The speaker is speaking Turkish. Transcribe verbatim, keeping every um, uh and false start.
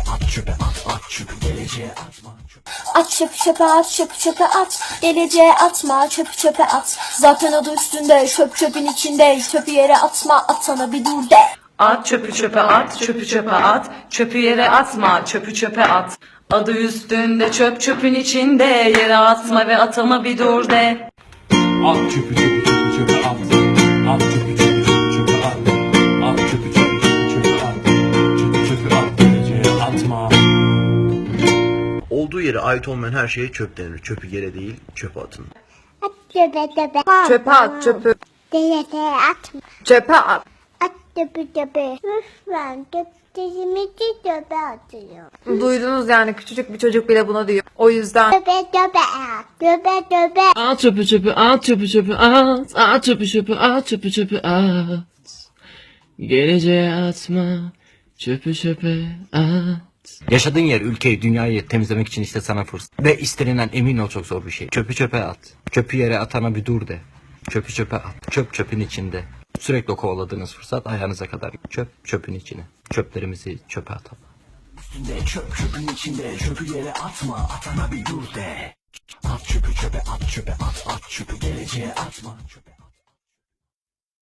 at çöpe at, at çöpü geleceğe atma. At çöpü çöpe at, çöpü çöpe at, geleceğe atma, çöpü çöpe at. Zaten adı üstünde, çöp çöpün içinde, çöpü yere atma, atana bir dur de. At çöpü çöpe at, çöpü çöpe at, çöpü yere atma, çöpü çöpe at. Adı üstünde çöp çöpün içinde, yere atma ve atama bir dur de. At çöpü çöpü çöpü çöpe at. At çöpü çöpü çöpü çöpe at. At çöpü çöpü çöpü çöpe at. Çöpü çöpü at, geleceğe atma. Olduğu yere ait olmayan her şeye çöp denir. Çöpü yere değil, çöpe atın. At çöpe çöpe. Çöpe at çöpü. Geleceğe atma. Çöpe at. At çöpe çöpe. Lütfen çöplerimizi çöpe atıyor. Duydunuz yani, küçücük bir çocuk bile bunu diyor. O yüzden Çöpe çöpe at. Çöpe çöpe. At çöpü çöpü at çöpü çöpü at. At çöpü çöpü at çöpü çöpü at. Geleceğe atma. Çöpü çöpe at. Yaşadığın yer, ülkeyi, dünyayı temizlemek için işte sana fırsat. Ve istenilen, emin ol, çok zor bir şey. Çöpü çöpe at. Çöpü yere atana bir dur de. Çöpü çöpe at. Çöp çöpün içinde. Sürekli kovaladığınız fırsat ayağınıza kadar. Çöp çöpün içine. Çöplerimizi çöpe atalım. Üstünde çöp çöpün içinde, çöpü yere atma, atana bir dur de. At çöpü çöpe at, çöpe at, at çöpü geleceğe atma. Çöpe.